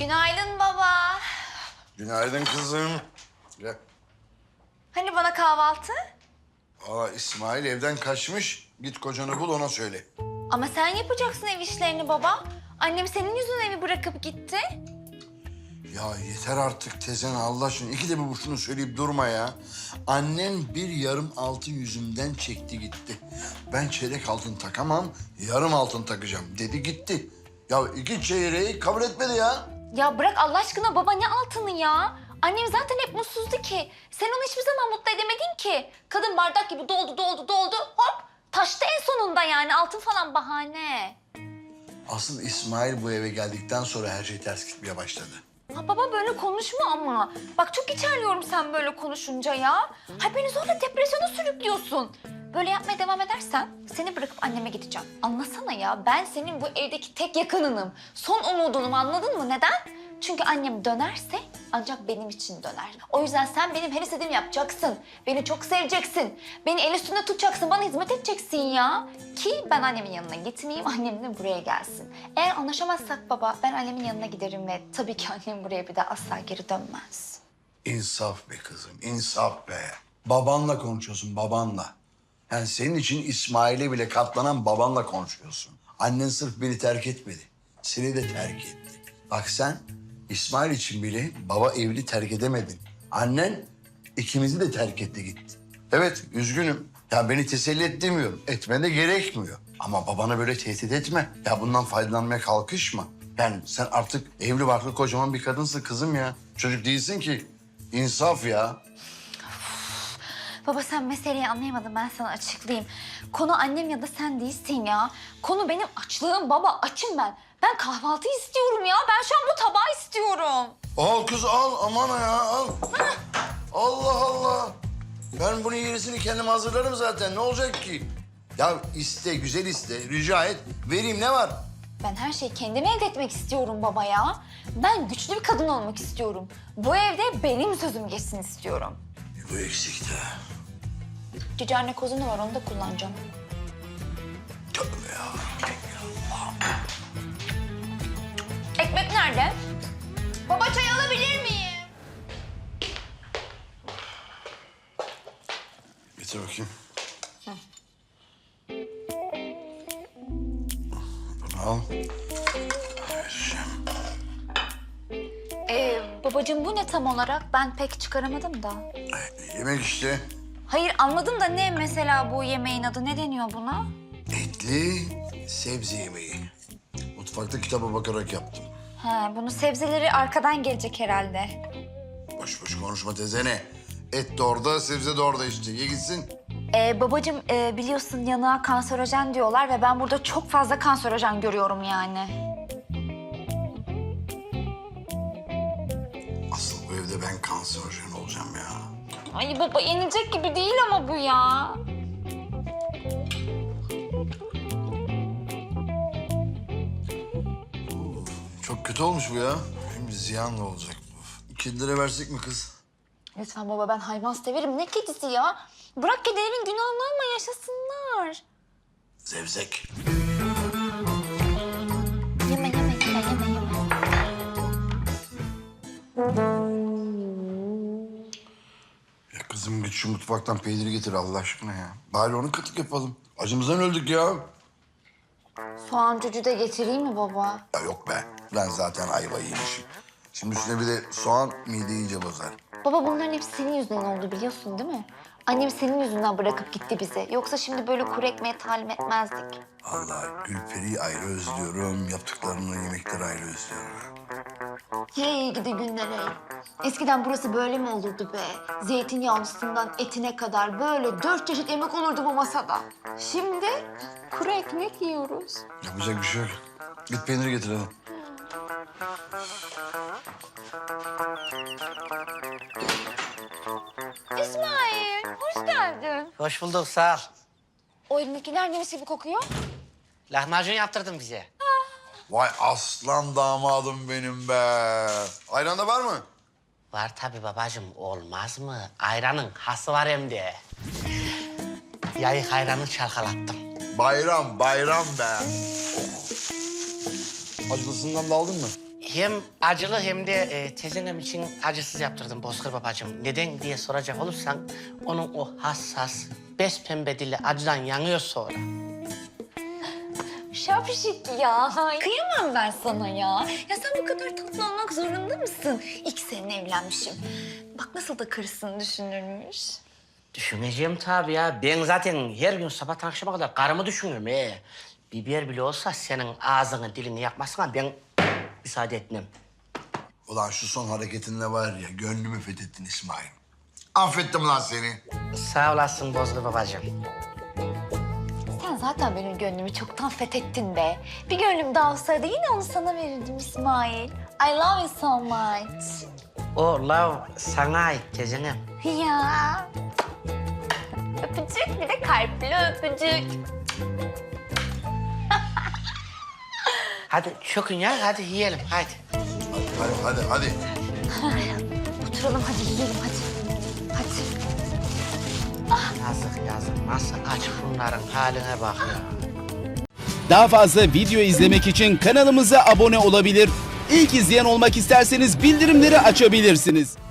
Günaydın baba. Günaydın kızım. Gel. Hani bana kahvaltı? İsmail evden kaçmış. Git kocanı bul, ona söyle. Ama sen yapacaksın ev işlerini baba. Annem senin yüzünden evi bırakıp gitti. Ya yeter artık teyzen, Allah aşkına. İkide bir şunu söyleyip durma ya. Annen bir yarım altın yüzümden çekti gitti. Ben çeyrek altın takamam, yarım altın takacağım dedi gitti. Ya 2 çeyreği kabul etmedi ya. Ya bırak Allah aşkına baba, ne altını ya? Annem zaten hep mutsuzdu ki. Sen onu hiçbir zaman mutlu edemedin ki. Kadın bardak gibi doldu, hop taştı en sonunda yani. Altın falan bahane. Asıl İsmail bu eve geldikten sonra her şey ters gitmeye başladı. Ha baba, böyle konuşma ama. Bak çok içerliyorum sen böyle konuşunca ya. Ha beni zorla depresyona sürüklüyorsun. Böyle yapmaya devam edersen seni bırakıp anneme gideceğim. Anlasana ya, ben senin bu evdeki tek yakınınım. Son umudunum, anladın mı? Neden? Çünkü annem dönerse ancak benim için döner. O yüzden sen benim her istediğimi yapacaksın. Beni çok seveceksin. Beni el üstünde tutacaksın, bana hizmet edeceksin ya. Ki ben annemin yanına gitmeyeyim, annem de buraya gelsin. Eğer anlaşamazsak baba, ben annemin yanına giderim ve tabii ki annem buraya bir daha asla geri dönmez. İnsaf be kızım, insaf be. Babanla konuşuyorsun, babanla. Yani senin için İsmail'e bile katlanan babanla konuşuyorsun. Annen sırf beni terk etmedi, seni de terk etti. Bak sen İsmail için bile baba evli terk edemedin. Annen ikimizi de terk etti gitti. Evet, üzgünüm. Ya beni teselli et demiyorum. Etmen de gerekmiyor. Ama babana böyle tehdit etme. Ya bundan faydalanmaya kalkışma. Yani sen artık evli barklı kocaman bir kadınsın kızım ya. Çocuk değilsin ki. İnsaf ya. Baba sen meseleyi anlayamadın, ben sana açıklayayım. Konu annem ya da sen değilsin ya. Konu benim açlığım baba, açım ben. Ben kahvaltı istiyorum ya. Ben şu an bu tabağı istiyorum. Al kız al, aman ya al. Allah Allah. Ben bunun yenisini kendim hazırlarım zaten. Ne olacak ki? Ya iste, güzel iste, rica et. Vereyim, ne var? Ben her şeyi kendim elde etmek istiyorum baba ya. Ben güçlü bir kadın olmak istiyorum. Bu evde benim sözüm geçsin istiyorum. Bu eksikti. Cici anne kozunu var, onu da kullanacağım. Tövbe ya. Ekmek nerede? Baba çay alabilir miyim? Getir bakayım. Bunu al. Vereceğim. Babacığım bu ne tam olarak? Ben pek çıkaramadım da. Yemek işte. Hayır anladım da ne mesela bu yemeğin adı? Ne deniyor buna? Etli sebze yemeği. Mutfakta kitaba bakarak yaptım. Ha, bunun sebzeleri arkadan gelecek herhalde. Boş boş konuşma tezene. Et de orada, sebze de orada işte. Ye gitsin. Babacığım biliyorsun yanığa kanserojen diyorlar ve ben burada çok fazla kanserojen görüyorum yani. Asıl bu evde ben kanserojen olacağım ya. Ay baba, yenilecek gibi değil ama bu ya. Çok kötü olmuş bu ya. Şimdi ziyanla olacak bu. Kedilere versek mi kız? Lütfen baba, ben hayvan severim. Ne kedisi ya? Bırak kedilerin günahını ama yaşasınlar. Zevzek. Yeme. Ya kızım git şu mutfaktan peyniri getir Allah aşkına ya. Bari onu kıtlık yapalım. Acımızdan öldük ya. Soğan cücü de getireyim mi baba? Ya yok be. Ben zaten ayva yemişim. Şimdi üstüne bir de soğan mideyi iyice bozar. Baba bunların hepsi senin yüzünden oldu, biliyorsun değil mi? Annem senin yüzünden bırakıp gitti bizi. Yoksa şimdi böyle kuru ekmeğe talim etmezdik. Allah Gülperi'yi ayrı özlüyorum. Yaptıklarını, yemekleri ayrı özlüyorum. Hey gidi günlere. Eskiden burası böyle mi olurdu be? Zeytinyağlısından etine kadar böyle 4 çeşit yemek olurdu bu masada. Şimdi kuru ekmek yiyoruz. Yapacak bir şey yok. Git peyniri getir hadi. İsmail, hoş geldin. Hoş bulduk, sağ ol. O elindekiler neresi gibi kokuyor? Lahmacun yaptırdın bize. Vay aslan damadım benim be. Ayran da var mı? Var tabii babacığım, olmaz mı? Ayranın hası var hem de. Yayık ayranı çalkalattım. Bayram, bayram be. Acılısından da aldın mı? hem acılı hem de tezenem için acısız yaptırdım Bozkır babacığım. Neden diye soracak olursan onun o hassas, pembe dili acıdan yanıyor sonra. Şapşik ya. Kıyamam ben sana ya. Ya sen bu kadar tatlı olmak zorunda mısın? İlk seninle evlenmişim. Bak nasıl da karısını düşünürmüş. Düşüneceğim tabii ya. Ben zaten her gün sabah akşama kadar karımı düşünürüm. Biber bile olsa senin ağzını dilini yakmasına ben müsaade etmem. Ulan şu son hareketinle var ya gönlümü fethettin İsmail. Affettim lan seni. Sağ olasın Bozkır babacığım. Sen zaten benim gönlümü çoktan fethettin be. Bir gönlüm daha olsaydı yine onu sana verirdim İsmail. I love you so much. O love sana ait tezenem. Ya. Öpücük bir de kalpli öpücük. Hadi çökün ya, hadi yiyelim, hadi. Hadi. Oturalım hadi yiyelim hadi. Hadi. Yazık. Nasıl aç bunların haline bak ya. Daha fazla video izlemek için kanalımıza abone olabilir. İlk izleyen olmak isterseniz bildirimleri açabilirsiniz.